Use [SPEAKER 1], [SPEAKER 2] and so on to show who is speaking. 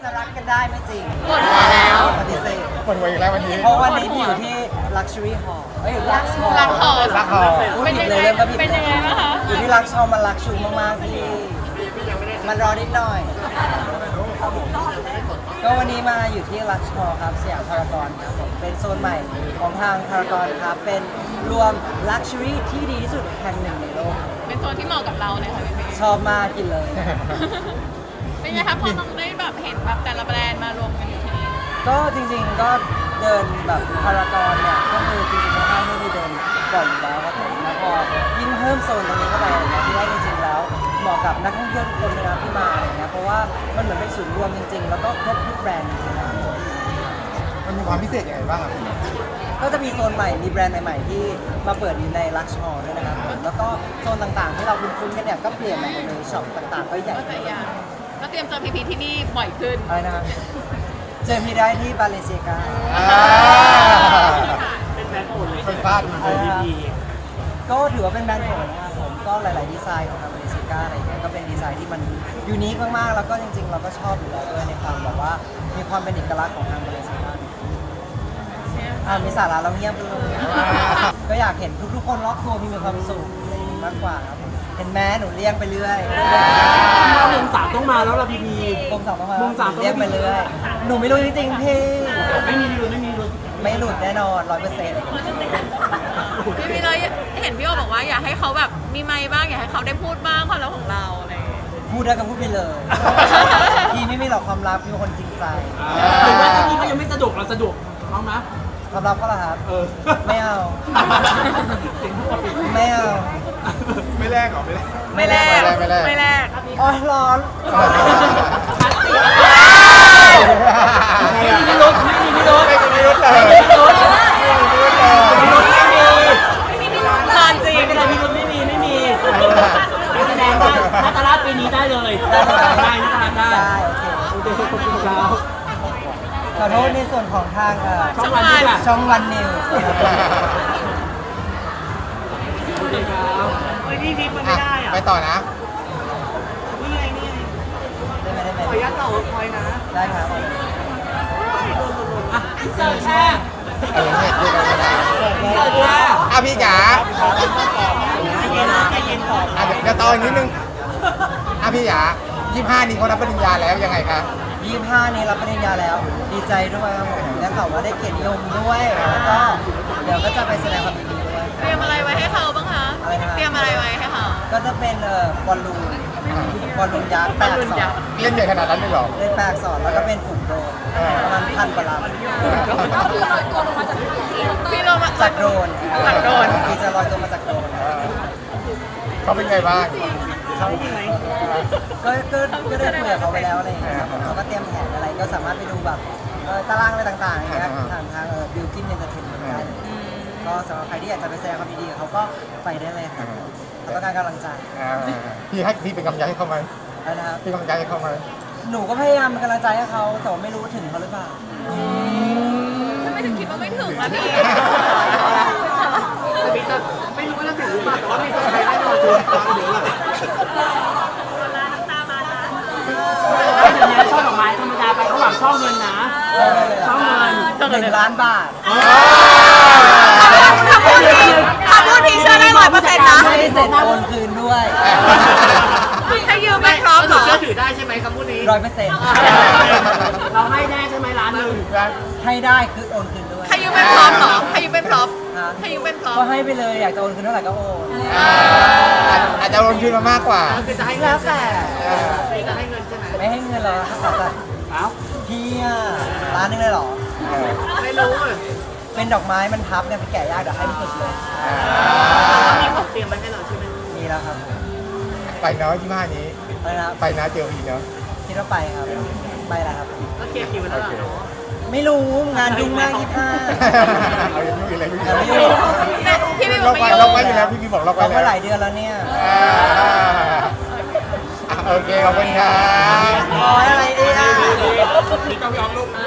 [SPEAKER 1] จะรักกันได้ไม่จริง
[SPEAKER 2] ปวดหัวแล้ว
[SPEAKER 1] ปฏิเสธ
[SPEAKER 3] ปวดหัวอีกแล้ววันนี้
[SPEAKER 1] เพราะวันนี้พี่อยู่ที่ Luxury Hall เอ้ย Lux Hall
[SPEAKER 2] หลังหอ
[SPEAKER 3] รักหอ
[SPEAKER 1] พูด
[SPEAKER 2] เป็น
[SPEAKER 1] ผิ
[SPEAKER 2] ยั
[SPEAKER 1] ด
[SPEAKER 2] ง
[SPEAKER 1] เลย
[SPEAKER 2] ไง
[SPEAKER 1] เริ่มก็ผิด
[SPEAKER 2] เป็นยังไงบ้างคะ
[SPEAKER 1] อยู่ที่ Lux Hall มันลักชูมากๆพี่มันรอนิดหน่อยก็วันนี้มาอยู่ที่ Lux Hall ครับสยามพารากอนครับผมเป็นโซนใหม่ของทางพารากอนครับเป็นรวม Luxury ที่ดีที่สุดแห่งหนึ่งในโลก
[SPEAKER 2] เป็นโซนที่เหมาะกับเราเลยค่ะพี่เมย์
[SPEAKER 1] ชอบมากกินเลย
[SPEAKER 2] เป็นไงคะพอน้องได้แบบเห็นแบบแต่ละแบรนด์มารวมกันอยู่ที่นี่
[SPEAKER 1] ก็จริงๆก็เดินแบบพารากอนเนี่ยก็คือจริงๆในห้างที่มีเดินบ่อยอยู่แล้วครับผมแล้วพอยิ่งเพิ่มโซนตรงนี้เข้าไปเนี่ยที่ว่าจริงๆแล้วเหมาะกับนักท่องเที่ยวทุกคนเลยนะที่มาอะไรเงี้ยเพราะว่ามันเหมือนเป็นศูนย์รวมจริงๆแล้วก็ครบทุกแบรนด์จริงๆนะ
[SPEAKER 3] มันมีความพิเศษยังไงบ้างครับ
[SPEAKER 1] ก็จะมีโซนใหม่มีแบรนด์ใหม่ๆที่มาเปิดอยู่ในลักชัวร์ด้วยนะครับผมแล้วก็โซนต่างๆที่เราคุ้นๆกันเนี่ยก็เปลี่ยนมาหมดเลยช็อปต่างๆก็ใหญ่
[SPEAKER 2] ก็จะอย่างก็เตรียมเจอพีที่นี่บ่อยขึ้น
[SPEAKER 1] อะไรนะครับเจอพี่ได้ที่บาเลเซียกา
[SPEAKER 3] เป็นแบรนด์โปรดเลยเป็นบ้านมันเลยดี
[SPEAKER 1] ก็ถือว่าเป็นแบรนด์โปรดนะครับผมก็หลายๆดีไซน์ของทางบาเลเซียกาอะไรเงี้ยก็เป็นดีไซน์ที่มันยูนิคมากๆแล้วก็จริงๆ เราก็ชอบอยู่แล้วด้วยในความแบบว่ามีความเป็นเอกลักษณ์ของทางบาเลเซียกามีสาระเราเงียบไปเลยก็อยากเห็นทุกๆคนรอบตัวมีความสุขอะไรอย่างงี้มากกว่าครับเห็นแม้หนูเลี้ยงไปเรื่อย
[SPEAKER 4] มุมสามต้องมาแล้วล่ะพี่พี
[SPEAKER 1] มุมสามต้องมา
[SPEAKER 4] มุมสามต้อง
[SPEAKER 1] เลี้ยงไปเรื่อยหนูไม่รู้จริงๆพี่
[SPEAKER 4] ไม่มีลุ้นไม่มีลุ้น
[SPEAKER 1] ไม่หลุดแน่นอน100%
[SPEAKER 2] พี่มีเลยเห็นพี่โอบอกว่าอยากให้เขาแบบมีไมค์บ้างอยากให้เขาได้พูดบ้างความลับของเราอะไรอย่างเงี้ย
[SPEAKER 1] พูดได้ก็พูดไปเลย พี่ไม่มีหรอกความลับพี่เป็นคนจริงใจ
[SPEAKER 4] หรือว่าถ้าพี่เขายังไม่สะดวกเราสะดวกเขาไหม
[SPEAKER 1] ความลับก็เหรอครับ
[SPEAKER 4] เออ
[SPEAKER 1] ไม่เอา
[SPEAKER 4] เสียงพูด
[SPEAKER 1] ไม่เอา
[SPEAKER 3] ไม่แลกหรอไม่แลก
[SPEAKER 2] ไม่แลก
[SPEAKER 3] ไม่แลก
[SPEAKER 1] โอ้ยร้อน
[SPEAKER 4] ไม่มีพิรุธไม่มีพิรุธ
[SPEAKER 3] ไม่มีพิรุธเลย
[SPEAKER 4] ไม่มีพิรุธ
[SPEAKER 3] ไม่มีพิรุธเลย
[SPEAKER 4] ไม่มี
[SPEAKER 2] นานจริง
[SPEAKER 4] ไม่มีพิรุธไม่มีแสดงว่านาตาลาปีนี้ได้เลยได้นาตาลาได้
[SPEAKER 1] ได้โอเค
[SPEAKER 4] โอเคขอบคุณครับ
[SPEAKER 1] ขอโทษในส่วนของทาง
[SPEAKER 4] ช่องวันนี้แหละ
[SPEAKER 1] ช่องวันนิว
[SPEAKER 4] โอเคครับเฮ้ยนี่ดิมันไม่ได้อ่ะ
[SPEAKER 3] ไปต่อนะ
[SPEAKER 4] นี่ไงนี่ไง
[SPEAKER 1] ได้ไหมได้ไหม
[SPEAKER 4] ขออนุญาตต่อคอยนะ
[SPEAKER 1] ได้ครับ
[SPEAKER 4] อ่ะเสิร์ฟแช่
[SPEAKER 3] เออเนี่ยดูกันไม่ได้
[SPEAKER 4] เสิร์ฟแช่
[SPEAKER 3] พี่จ๋า
[SPEAKER 4] ใจเย็นนะใจเย็นก่อน
[SPEAKER 3] เดี๋ยวต่ออีกนิดนึงพี่จ๋า25นี้เขารับปริญญาแล้วยังไงครับ
[SPEAKER 1] 25นี้รับปริญญาแล้ว ดีใจด้วยครับผมและข่าวว่าได้เกียรตินิยมด้วยแล้วก็เดี๋ยวก็จะไปแสดงความยินดีด้วย
[SPEAKER 2] เตรียมอะไรไว้ให้เขาบ้างคะ
[SPEAKER 1] อะไรนะ
[SPEAKER 2] เตรียมอะไรไว้ให้เขา
[SPEAKER 1] ก็จะเป็นบอลลูนยักษ์แปล
[SPEAKER 2] บอลลู
[SPEAKER 1] ก
[SPEAKER 2] น
[SPEAKER 1] สอ
[SPEAKER 2] ยั
[SPEAKER 1] น
[SPEAKER 2] กษ์
[SPEAKER 3] เล่นใหญ่ขนาดนั้นเลยเหรอ
[SPEAKER 1] เล่นแปลกสอนแล้วก็เป็นฝูงโดรนประมาณ1,000 กว่าลำ
[SPEAKER 2] พี่ลงมา
[SPEAKER 1] จากโดรน
[SPEAKER 2] จากโดรน
[SPEAKER 1] พี่จะลอยตัวมาจากโดรน
[SPEAKER 3] เขาเป็นไงบ้าง
[SPEAKER 1] ก็ได้คุยกับเขาไปแล้วอะไรอย่างเงี้ยครับผมเขาก็เตรียมแผนอะไรก็สามารถไปดูแบบตารางอะไรต่างๆอย่างเงี้ยผ่านทางบิวกินเอนเตอร์เทนเมนต์ได้เลยก็สำหรับใครที่อยากจะไปแสดงความยินดีกับเขาก็ไปได้เลยครับเขาต้องการกำลังใจ
[SPEAKER 3] พี่เป็นกำลังใจให้เขาไหม
[SPEAKER 1] นะครับ
[SPEAKER 3] พี่กำลังใจให้เขาไหม
[SPEAKER 1] หนูก็พยายามเป็นกำลังใจให้เขาแต่ว่าไม่รู้ถึงเขาหรือเปล่า
[SPEAKER 2] ทำไมถึงคิดว่าไม่ถึงล่ะพี่
[SPEAKER 4] ไม่รู้ว่าจะถึงหรือเปล่าแต่ว่ามีคนไทยได้เราตัวฟังเดี๋ยวล่ะเดี๋ยวนี้ช่อดอกไม้ธรรมดาไปเขาหวังช่อเงินนะช่อเงิน
[SPEAKER 1] 1 ล้านบาท
[SPEAKER 2] ถ้าพูดทีเชื่อได้100%นะ
[SPEAKER 1] ไม่ได้เสร็จโอนคืนด้วย
[SPEAKER 2] ให้ยืมไปพร้อมเหรอ
[SPEAKER 4] เชื่อถือได้ใช่ไหมคำพูดนี้
[SPEAKER 1] 100%
[SPEAKER 4] เราให้แน่ใช่ไหมร้านหนึ่ง
[SPEAKER 1] ให้ได้คือโอนคืนด้วย
[SPEAKER 2] ให้ยืมเป็นพร้อมเหรอให้ยืมเป็นพร้อม
[SPEAKER 1] ฮะ
[SPEAKER 2] ให้ยืมเป็นพร้อม
[SPEAKER 1] ก็ให้ไปเลยอยากจะโอนคืนเท่าไหร่ก็โอน
[SPEAKER 3] อาจจะลงทุนมามากกว่า
[SPEAKER 4] คือจะให้เงิ
[SPEAKER 1] แล้
[SPEAKER 4] น
[SPEAKER 1] วแต่
[SPEAKER 4] จะให้เงินใช่ไหม
[SPEAKER 1] ไม่ให้เงินเราแต่
[SPEAKER 4] เอ้า
[SPEAKER 1] พี่อะร้านนึงเลยเหรอ
[SPEAKER 4] ไม่รู้อ่ะ
[SPEAKER 1] เป็นดอกไม้มันพับเนี่ยไปแกะยากเดี๋ยวให้มันสุดเลย
[SPEAKER 4] มีของเตรียมมาให้เราใช่ไหม
[SPEAKER 1] มีแล้วครับ
[SPEAKER 3] ไปเนาะ25นี้
[SPEAKER 1] ไปนะครับ
[SPEAKER 3] ไปนะเจอพีเนาะ
[SPEAKER 1] คิดว่าไปครับ ไปแล้วครับ
[SPEAKER 4] ก็เคลียร์คิวแล้วเหรอ
[SPEAKER 1] ไม่รู้งานยุ่งมาก25
[SPEAKER 3] เอาอย่างนี้เลย
[SPEAKER 1] แต่ไม่ยุ่ง
[SPEAKER 2] พี่พี่บ
[SPEAKER 3] เรา
[SPEAKER 2] อก
[SPEAKER 3] ไป
[SPEAKER 2] ไม่
[SPEAKER 3] เรา
[SPEAKER 2] ยุ่ง
[SPEAKER 3] ไปอยู่แล้วพี่บอกเราไป
[SPEAKER 1] เรา
[SPEAKER 3] แล้
[SPEAKER 1] ก็
[SPEAKER 3] ว
[SPEAKER 1] หลายเดือนแล้วเนี่ย
[SPEAKER 3] โอเคขอบคุณครับ
[SPEAKER 1] โอ้ยอะไรดีอ่ะ
[SPEAKER 4] มีกล้องยองลูก